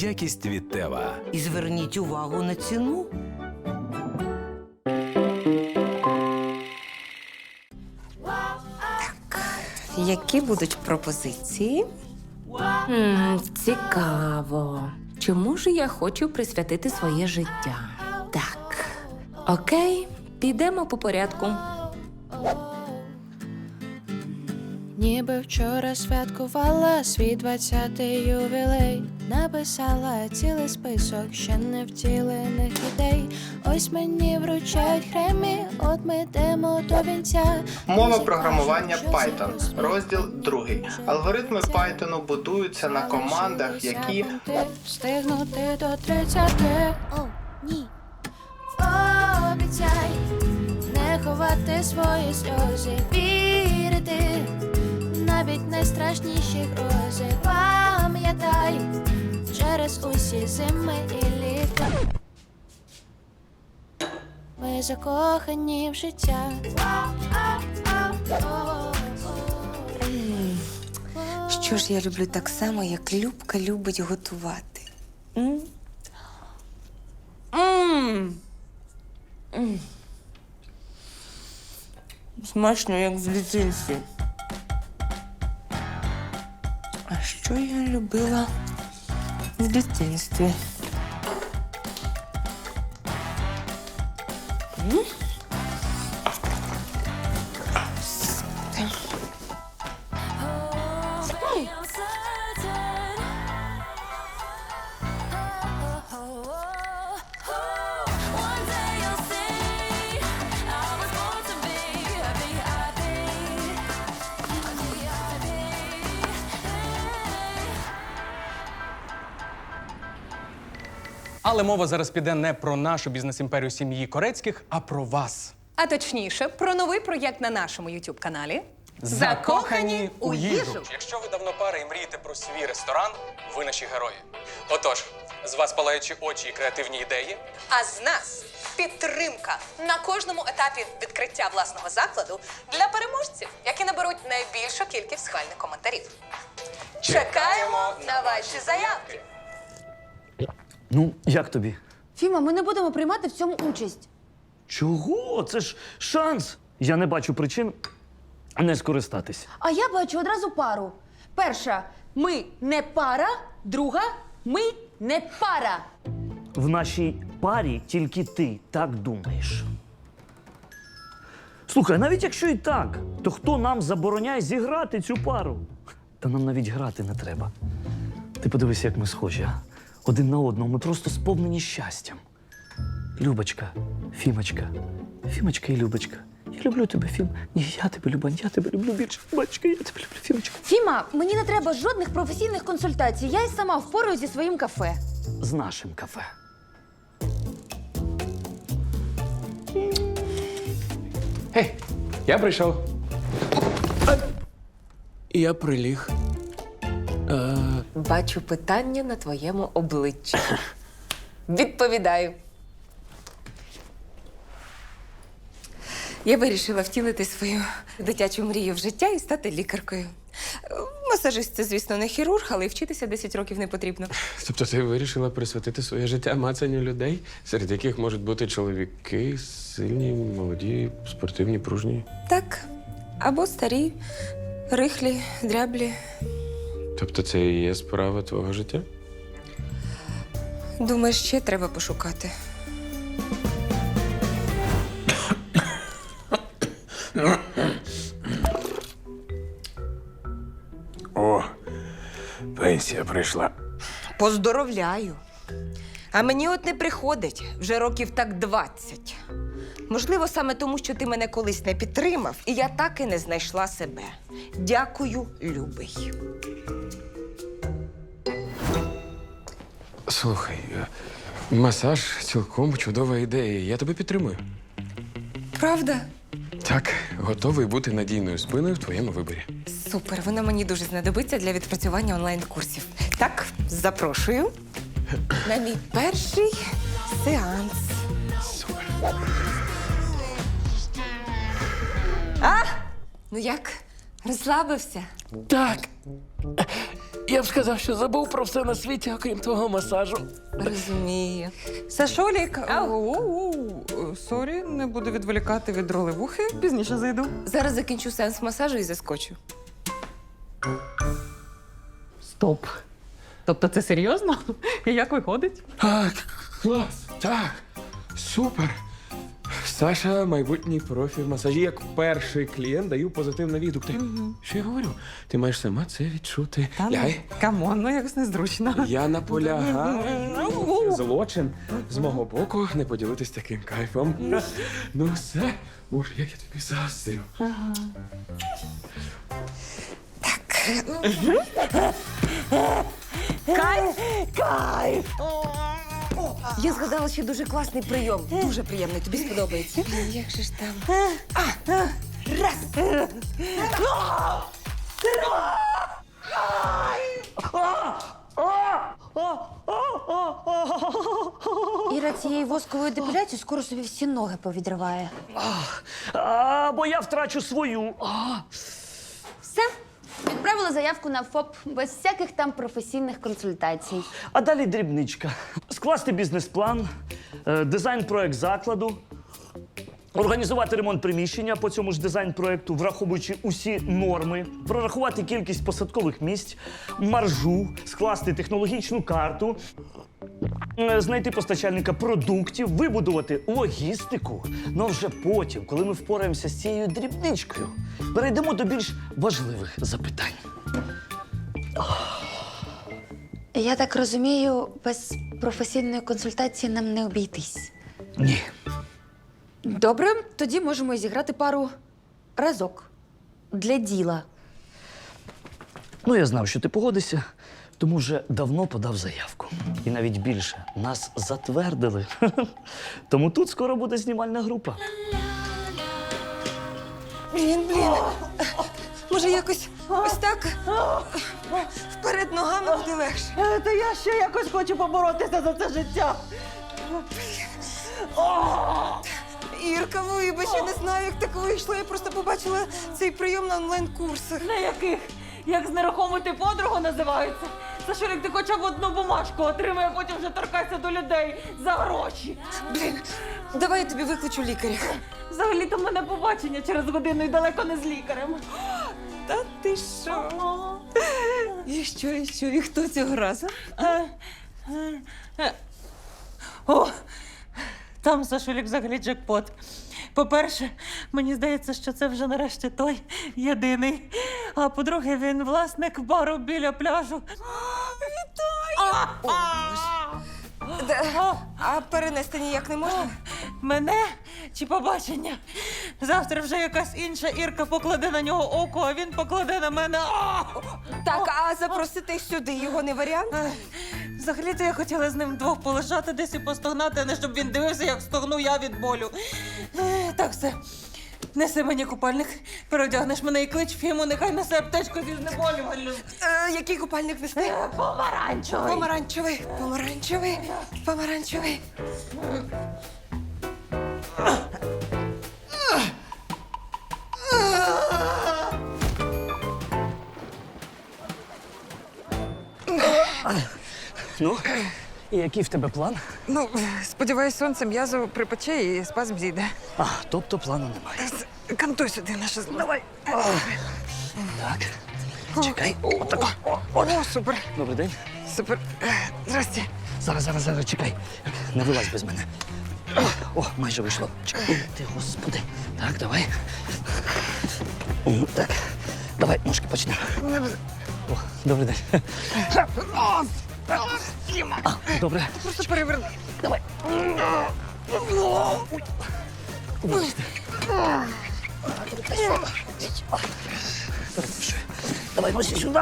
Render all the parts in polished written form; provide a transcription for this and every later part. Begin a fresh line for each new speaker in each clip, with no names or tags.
Якість від Тева.
І зверніть увагу на ціну.
Які будуть пропозиції? Цікаво. Чому ж я хочу присвятити своє життя? Так. Окей, підемо по порядку.
Ніби вчора святкувала свій 20-й ювілей. Написала цілий список ще не втілених ідей. Ось мені вручають Греммі, от ми йдемо до вінця.
Мова програмування Python. Розділ 2. Алгоритми Python будуються на командах, які...
Встигнути до 30. О, ні. Обіцяй не ховати свої сльози, вірити навіть найстрашніші грози. Пам'ятай, через усі зими і літа ми закохані в життя.
Що ж я люблю так само, як Любка любить готувати? Смачно, як в дитинстві. А що я любила в дитинстві?
Але мова зараз піде не про нашу бізнес-імперію сім'ї Корецьких, а про вас.
А точніше, про новий проєкт на нашому YouTube-каналі
Закохані у їжу. Якщо ви давно пара і мрієте про свій ресторан, ви наші герої. Отож, з вас палаючі очі і креативні ідеї.
А з нас підтримка на кожному етапі відкриття власного закладу для переможців, які наберуть найбільшу кількість схвальних коментарів. Чекаємо на ваші заявки.
Ну, як тобі?
Фіма, ми не будемо приймати в цьому участь.
Чого? Це ж шанс. Я не бачу причин не скористатись.
А я бачу одразу пару. Перша – ми не пара. Друга – ми не пара.
В нашій парі тільки ти так думаєш. Слухай, навіть якщо і так, то хто нам забороняє зіграти цю пару? Та нам навіть грати не треба. Ти подивись, як ми схожі, а? Один на одного, ми просто сповнені щастям. Любочка, Фімочка, Фімочка і Любочка. Я люблю тебе, Фім. Ні, я тебе люблю, я тебе люблю більше. Любочка, я тебе люблю, Фімочка.
Фіма, мені не треба жодних професійних консультацій. Я й сама впораюсь зі своїм кафе.
З нашим кафе.
Гей, я прийшов. Я приліг.
Бачу питання на твоєму обличчі. Відповідаю. Я вирішила втілити свою дитячу мрію в життя і стати лікаркою. Масажист – це, звісно, не хірург, але й вчитися 10 років не потрібно.
Тобто ти вирішила присвятити своє життя мацанню людей, серед яких можуть бути чоловіки, сильні, молоді, спортивні, пружні?
Так. Або старі, рихлі, дряблі.
Тобто це і є справа твого життя?
Думаю, ще треба пошукати.
О, пенсія прийшла.
Поздоровляю. А мені от не приходить вже років так 20. Можливо, саме тому, що ти мене колись не підтримав, і я так і не знайшла себе. Дякую, любий.
Слухай, масаж цілком чудова ідея. Я тебе підтримую.
Правда?
Так, готовий бути надійною спиною в твоєму виборі.
Супер, вона мені дуже знадобиться для відпрацювання онлайн-курсів. Так, запрошую на мій перший сеанс.
Супер.
А? Ну як? Розслабився?
Так. Я б сказав, що забув про все на світі, окрім твого масажу.
Розумію. Сашолік, сорі, не буду відволікати від ролевухи. Пізніше зайду.
Зараз закінчу сеанс масажу і заскочу.
Стоп. Тобто це серйозно? І як виходить?
Клас, так, супер. Саша, майбутній профі в масажі. Як перший клієнт даю позитивний відгук. Що я говорю? Ти маєш сама це відчути. Лягай.
Камон, ну якось незручно.
Я наполягаю. Злочин з мого боку не поділитись таким кайфом. Ну все, уж як я тобі заздрю.
Я згадала ще дуже класний прийом. Дуже приємний, тобі сподобається. Як же ж там?
Іра цією восковою депіляцією скоро собі всі ноги повідриває.
Бо я втрачу свою.
Все, відправила заявку на ФОП без всяких там професійних консультацій.
А далі дрібничка. Скласти бізнес-план, дизайн-проект закладу, організувати ремонт приміщення по цьому ж дизайн-проекту, враховуючи усі норми, прорахувати кількість посадкових місць, маржу, скласти технологічну карту, знайти постачальника продуктів, вибудувати логістику. Ну а вже потім, коли ми впораємося з цією дрібничкою, перейдемо до більш важливих запитань.
Я так розумію, без професійної консультації нам не обійтись.
Ні.
Добре, тоді можемо зіграти пару разок. Для діла.
Ну, я знав, що ти погодишся, тому вже давно подав заявку. І навіть більше, нас затвердили. Тому тут скоро буде знімальна група.
Блін. Може, якось ось так вперед ногами буде легше.
Та я ще якось хочу поборотися за це життя.
Ірка, вибач, я не знаю, як так вийшло. Я просто побачила цей прийом на онлайн-курсах.
На яких? Як знерухомити подругу називаються? Сашолік, ти хоча б одну бумажку отримай, а потім вже торкайся до людей за гроші.
Блін, давай я тобі викличу лікаря.
Взагалі-то в мене побачення через годину і далеко не з лікарем.
Та ти що? І що? І хто цього разу?
О, там Сашолік взагалі джекпот. По-перше, мені здається, що це вже нарешті той єдиний. А по-друге, він власник бару біля пляжу. Вітаю!
А перенести ніяк не можна?
Мене чи побачення? Завтра вже якась інша Ірка покладе на нього око, а він покладе на мене.
Так, а запросити сюди його не варіант?
Взагалі-то я хотіла з ним вдвох полежати десь і постогнати, а не щоб він дивився, як стогну я від болю. Так, все. Неси мені купальник, переодягнеш мене і клич Фіму, нехай несе аптечку зі знеболювальним.
Який купальник нести?
Помаранчевий.
Помаранчевий.
Ну, і який в тебе план?
Ну, сподіваюсь, сонце м'язу припече і спазм зійде.
Тобто плану немає.
Кантуй сюди наше зло. Давай.
Так, чекай. Отако.
О, супер.
Добрий день.
Супер. Здрасте.
Зараз, чекай. Не вилазь без мене. О, майже вийшло. Чекай. Ти, господи. Так, давай. Так, давай, ножки почнемо. О, добрий день. Добре.
Просто переверни.
Давай. Вибачте. Перепрошую. Давай, носі сюди.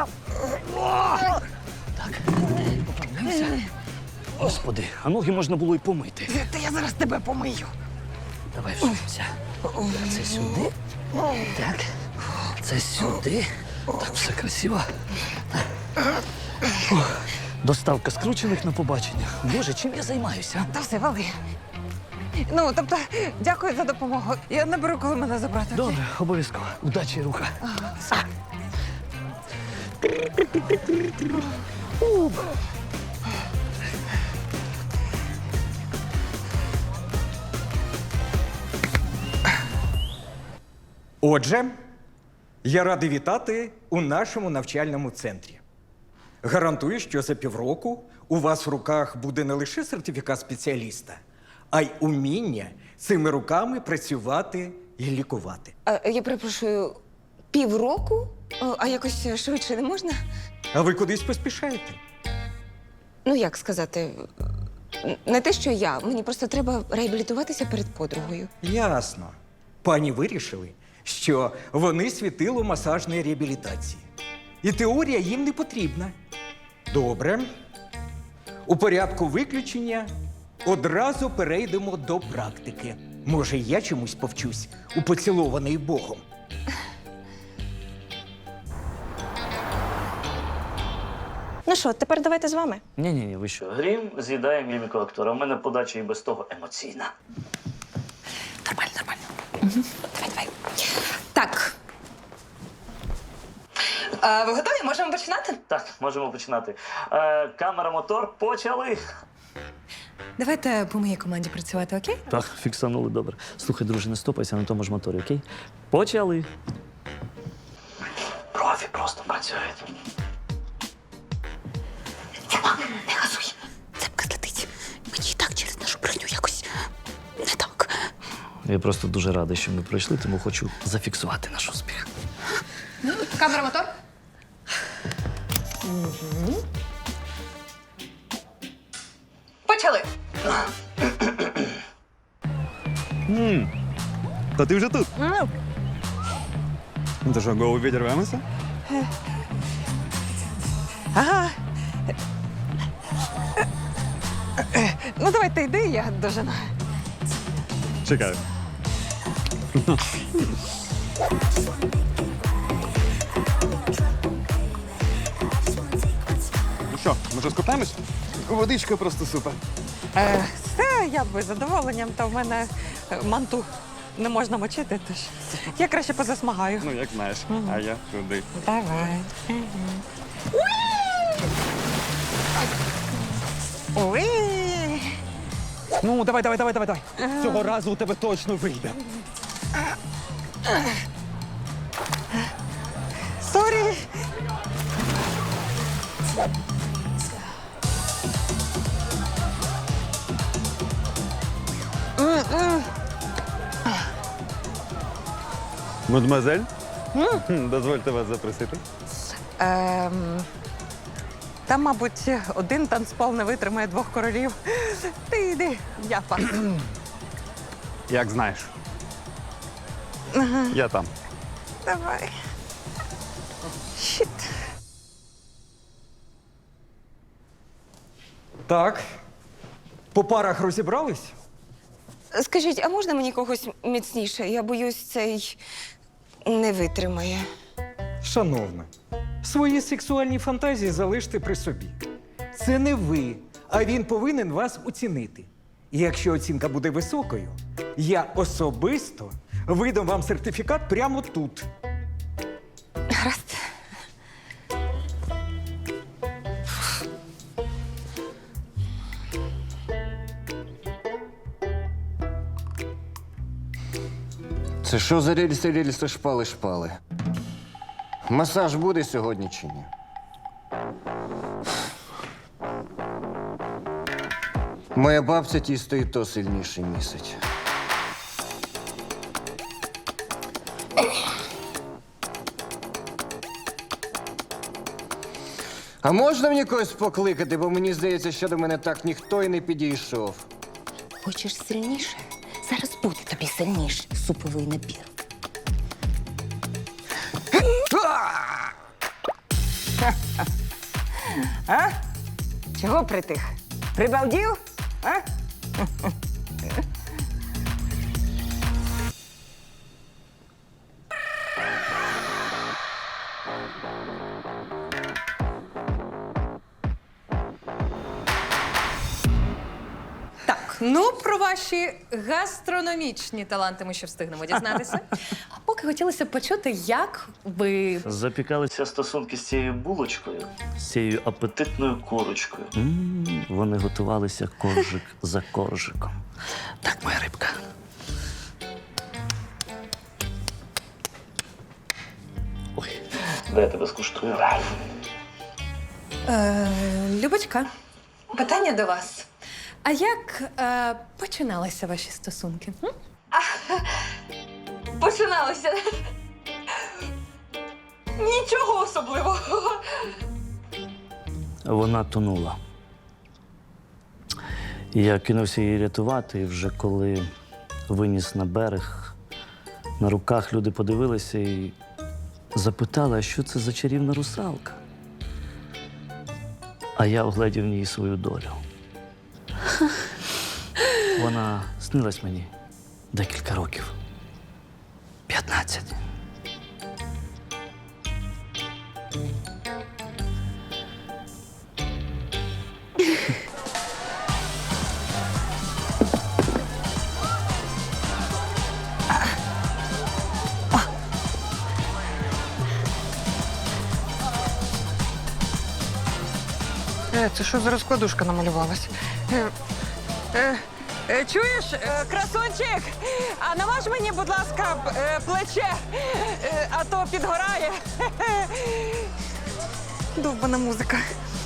Так, поправляємося. Господи, а ноги можна було й помити.
Та я зараз тебе помию.
Давай вживемося. Це сюди. Так. Це сюди. Так, все красиво. Доставка скручених на побачення. Боже, чим я займаюся?
Та все, вали. Ну, тобто, дякую за допомогу. Я наберу, коли мене забрати.
Добре, обов'язково. Удачі, руха.
Отже, я радий вітати у нашому навчальному центрі. Гарантую, що за півроку у вас в руках буде не лише сертифікат спеціаліста, а й уміння цими руками працювати і лікувати.
Я перепрошую, півроку? А якось швидше не можна?
А ви кудись поспішаєте?
Ну, як сказати, не те, що я. Мені просто треба реабілітуватися перед подругою.
Ясно. Пані вирішили, що вони світило масажної реабілітації. І теорія їм не потрібна. Добре. У порядку виключення одразу перейдемо до практики. Може, я чомусь повчусь у поцілований Богом.
Ну що, тепер давайте з вами.
Ні, ви що? Грім з'їдає міміку актора. У мене подача і без того емоційна.
Нормально. Давай. Так. Ви готові? Можемо починати?
Так, можемо починати. Камера, мотор, почали.
Давайте по моїй команді працювати, окей?
Так, фіксанули, добре. Слухай, друже, не стопайся на тому ж моторі, окей? Почали. Профі просто працюють.
Не газуй. Цепка злетить. Мені і так через нашу броню якось не так.
Я просто дуже радий, що ми пройшли, тому хочу зафіксувати наш успіх.
Камера, мотор. Почали.
То ти вже тут? Ну то що, голову відірвемося?
Ага. Ну, давай ти йди, я дожену.
Чекаю. Ну що, може скупаємось? Водичка просто супер.
Все, я б із задоволенням, та в мене манту не можна мочити, тож я краще позасмагаю.
Ну, як знаєш. А я туди.
Давай. Уи!
Ну, давай. Цього разу у тебе точно вийде.
Сорі!
Мадемуазель? Дозвольте вас запросити.
Там, мабуть, один танцпол не витримає двох королів. Ти йди, я пас.
Як знаєш. Я там.
Давай. Щит.
Так. По парах розібрались?
Скажіть, а можна мені когось міцніше? Я боюсь, цей не витримає.
Шановна, свої сексуальні фантазії залиште при собі. Це не ви, а він повинен вас оцінити. І якщо оцінка буде високою, я особисто видам вам сертифікат прямо тут.
Гаразд.
Це що за рельси, шпали? Масаж буде сьогодні чи ні? Моя бабця тісто і то сильніше місить. А можна мені когось покликати, бо мені здається, що до мене так ніхто і не підійшов.
Хочеш сильніше? Зараз буде тобі сильніше суповий набір. А? Чого притих? Прибалдів? А?
Ну, про ваші гастрономічні таланти ми ще встигнемо дізнатися. А поки хотілося б почути, як ви
Запікалися стосунки з цією булочкою, з цією апетитною корочкою. Вони готувалися коржик за коржиком. Так, моя рибка. Ой, дай я тебе скуштую.
Любочка, питання до вас. А як починалися ваші стосунки?
Починалося. Нічого особливого.
Вона тонула. Я кинувся її рятувати, і вже коли виніс на берег, на руках люди подивилися і запитали, а що це за чарівна русалка? А я огледів в ній свою долю. Вона снилась мені декілька років. 15.
Це що за розкладушка намалювалась? Чуєш, красунчик, а намаж мені, будь ласка, плече, а то підгорає. Довбана музика.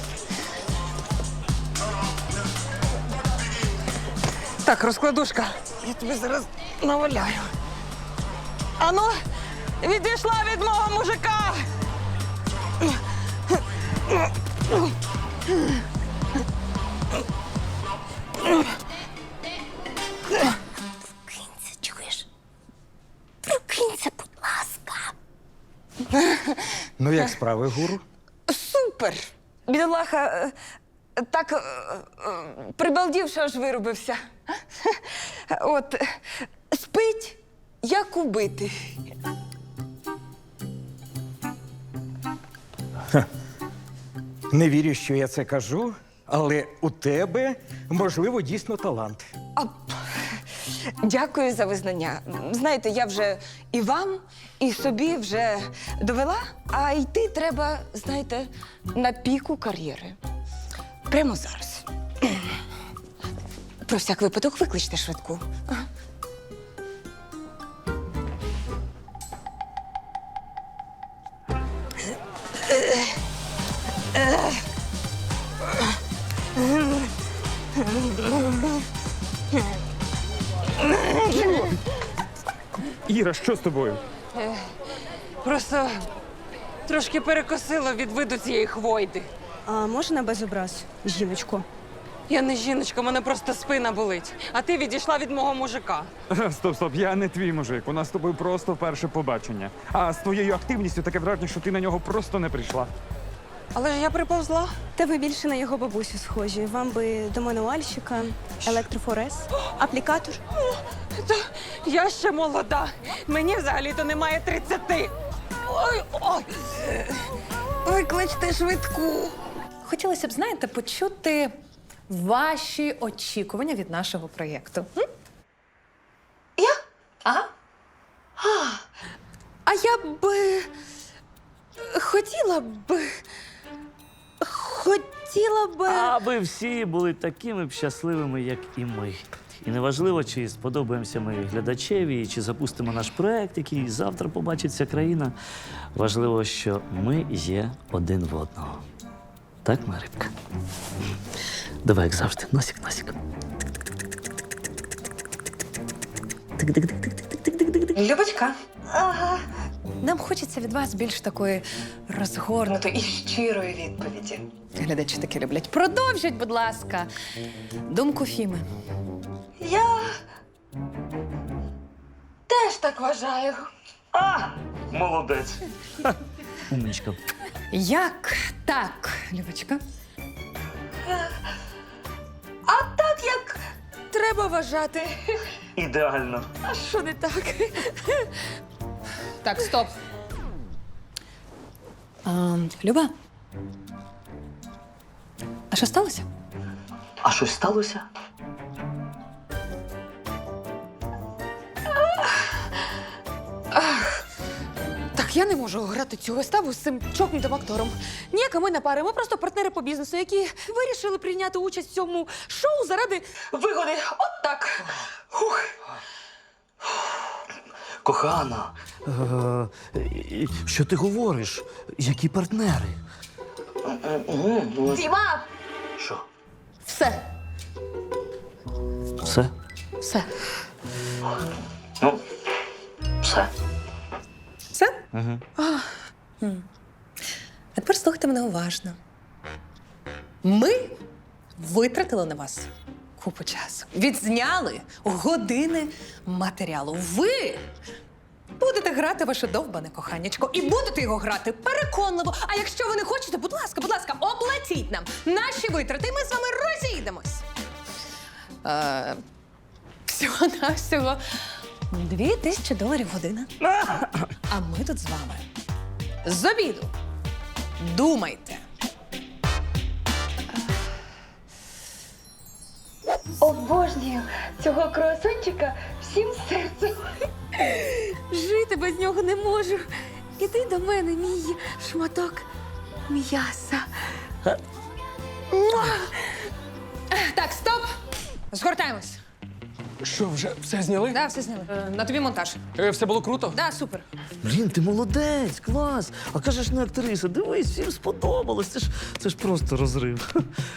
Так, розкладушка, я тобі зараз наваляю. Ану, відійшла від мого мужика.
Прокинься, чуєш? Прокинься, будь ласка.
Ну, як справи, гуру?
Супер! Бідолаха так прибалдів, що аж вирубився. От, спить, як убитий.
Не вірю, що я це кажу, але у тебе, можливо, дійсно талант.
Дякую за визнання. Знаєте, я вже і вам, і собі вже довела, а йти треба, знаєте, на піку кар'єри. Прямо зараз. Про всяк випадок викличте швидку.
Іра, що з тобою?
Просто трошки перекосило від виду цієї хвойди.
А можна без образ, жіночко?
Я не жіночка, мене просто спина болить. А ти відійшла від мого мужика.
Стоп, я не твій мужик. У нас з тобою просто перше побачення. А з твоєю активністю таке враження, що ти на нього просто не прийшла.
Але ж я приповзла.
Та ви більше на його бабусю схожі. Вам би до мануальщика, електрофорез, аплікатор.
Та я ще молода. Мені взагалі-то немає 30. Ой. Викличте швидку.
хотілося б, знаєте, почути ваші очікування від нашого проєкту?
Я?
Ага.
А я б хотіла б.
Аби всі були такими б щасливими, як і ми. І неважливо, чи сподобаємося ми глядачеві, чи запустимо наш проект, який завтра побачить вся країна. Важливо, що ми є один в одного. Так, моя рибка? Давай, як завжди, носик.
Любочка. Ага. Нам хочеться від вас більш такої розгорнутої і щирої відповіді. Глядачі таки люблять. Продовжіть, будь ласка, думку Фіми.
Я теж так вважаю.
Молодець. Умничка.
Як так, Любочка?
А так, як треба вважати.
Ідеально.
А що не так?
Так, стоп. Люба. А що сталося?
А щось сталося?
Я не можу грати цю виставу з цим чокнутим актором. Ніяка ми не пари, ми просто партнери по бізнесу, які вирішили прийняти участь в цьому шоу заради вигоди. От так.
Кохана, що ти говориш? Які партнери?
Діма!
Що?
Все.
Все?
Все.
Ну, все.
Все?
Угу.
А тепер слухайте мене уважно. Ми витратили на вас купу часу. Відзняли години матеріалу. Ви будете грати ваше довбане коханячко і будете його грати переконливо. А якщо ви не хочете, будь ласка, оплатіть нам наші витрати, і ми з вами розійдемось. Всього-навсього $2000 година. А ми тут з вами з обіду. Думайте.
Обожнюю цього круасончика всім серцем. Жити без нього не можу. Іди до мене, мій шматок м'яса.
Так, стоп! Згортаємось.
Що, вже все зняли?
Да, все зняли. На тобі монтаж.
Все було круто?
Да, супер.
Блін, ти молодець, клас. А кажеш, не актриса. Дивись, всім сподобалось. Це ж просто розрив.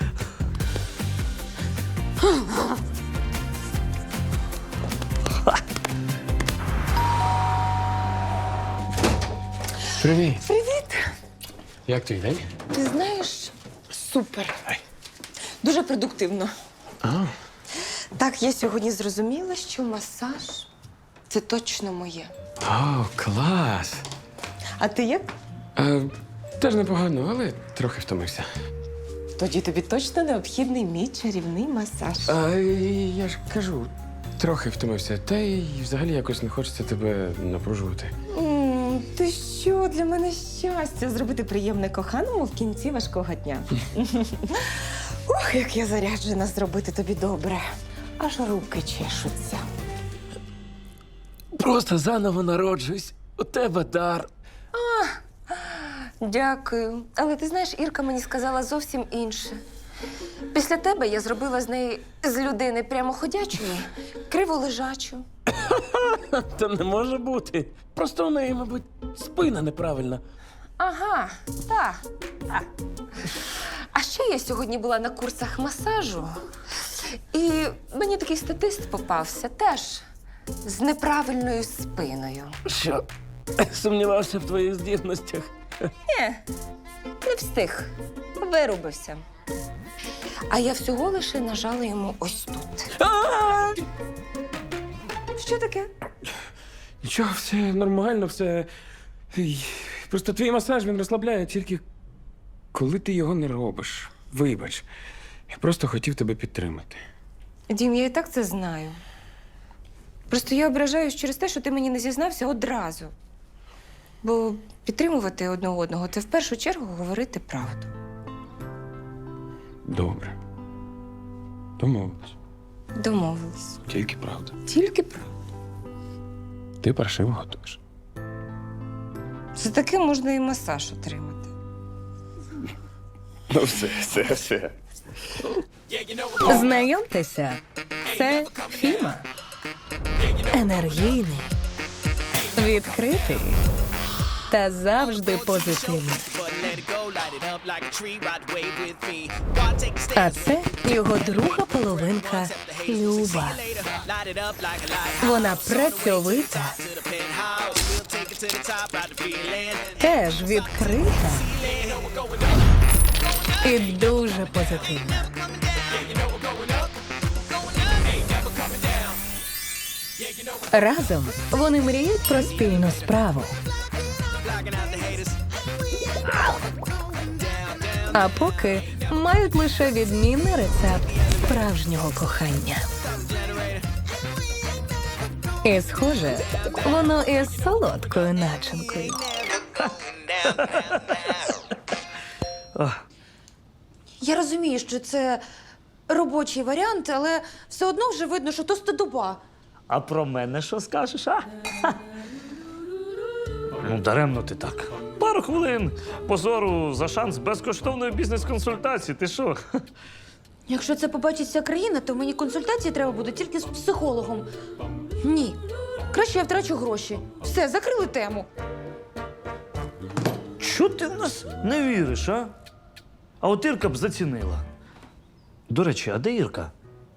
Привіт.
Привіт!
Як твій день?
Ти знаєш, супер. Дуже продуктивно. Так, я сьогодні зрозуміла, що масаж – це точно моє.
О, клас.
А ти як?
Теж непогано, але трохи втомився.
Тоді тобі точно необхідний мій чарівний масаж.
Я ж кажу, трохи втомився. Та й взагалі якось не хочеться тебе напружувати.
Ти що, для мене щастя зробити приємне коханому в кінці важкого дня. Ох, як я заряджена зробити тобі добре. Аж руки чешуться.
Просто заново народжуюсь. У тебе дар.
Дякую. Але ти знаєш, Ірка мені сказала зовсім інше. Після тебе я зробила з неї з людини прямоходячої криволежачу.
Та не може бути. Просто у неї, мабуть, спина неправильна.
Ага, так. А ще я сьогодні була на курсах масажу, і мені такий статист попався теж з неправильною спиною.
Що? Сумнівався в твоїх здібностях.
Ні, не встиг. Вирубився. А я всього лише нажала йому ось тут. Що таке?
Нічого, все нормально, все. Просто твій масаж він розслабляє тільки коли ти його не робиш. Вибач. Я просто хотів тебе підтримати.
Дім, я і так це знаю. Просто я ображаюсь через те, що ти мені не зізнався одразу. Бо підтримувати одне одного – це в першу чергу говорити правду.
Добре. Домовились.
Домовились.
Тільки правда.
Тільки правда.
Ти паршиво готуєш.
За таке можна і масаж отримати.
Ну все.
Знайомтеся, це Фіма. Енергійний, відкритий та завжди позитивний. А це його друга половинка Люба. Вона працьовита, теж відкрита і дуже позитивна. Разом вони мріють про спільну справу. А поки мають лише відмінний рецепт справжнього кохання. І, схоже, воно із солодкою начинкою.
Я розумію, що це робочий варіант, але все одно вже видно, що то стодоба.
А про мене що скажеш, а? Ну, даремно ти так. Пару хвилин позору за шанс безкоштовної бізнес-консультації. Ти що?
Якщо це побачить вся країна, то мені консультації треба буде тільки з психологом. Ні. Краще я втрачу гроші. Все, закрили тему.
Чого ти в нас не віриш, а? А от Ірка б зацінила. До речі, а де Ірка?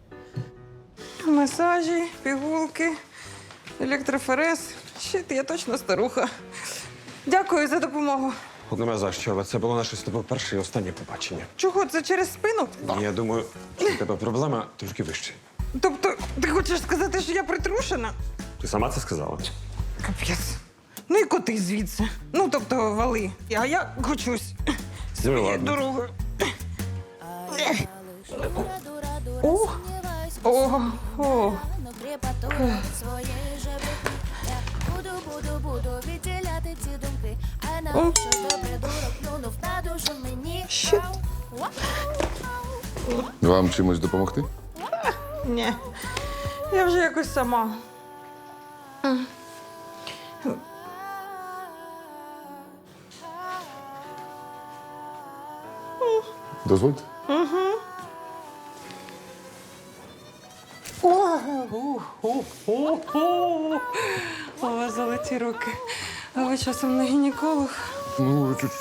Масажі, пігулки, електрофорез. Щит, я точно старуха. Дякую за допомогу.
От нема за що, але це було наше з тобою перше і останнє побачення.
Чого, це через спину?
Я думаю, що у тебе проблема трошки вище.
Тобто, ти хочеш сказати, що я притрушена?
Ти сама це сказала?
Капець. Ну і коти звідси. Ну, тобто, вали. А я хочусь. Своєю дорогою. О! О! О! Щит.
Вам чимось допомогти?
Ні. Я вже якось сама.
Дозвольте.
У вас золоті руки. А ви часом не гінеколог?
Ну, чуть.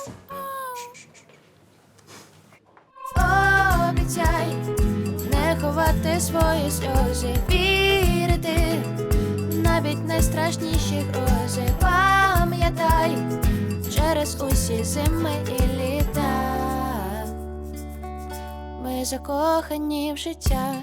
Обіцяй не ховати свої сльози, вірити навіть найстрашніші грози. Пам'ятай через усі зими і літа. Ми закохані в життя.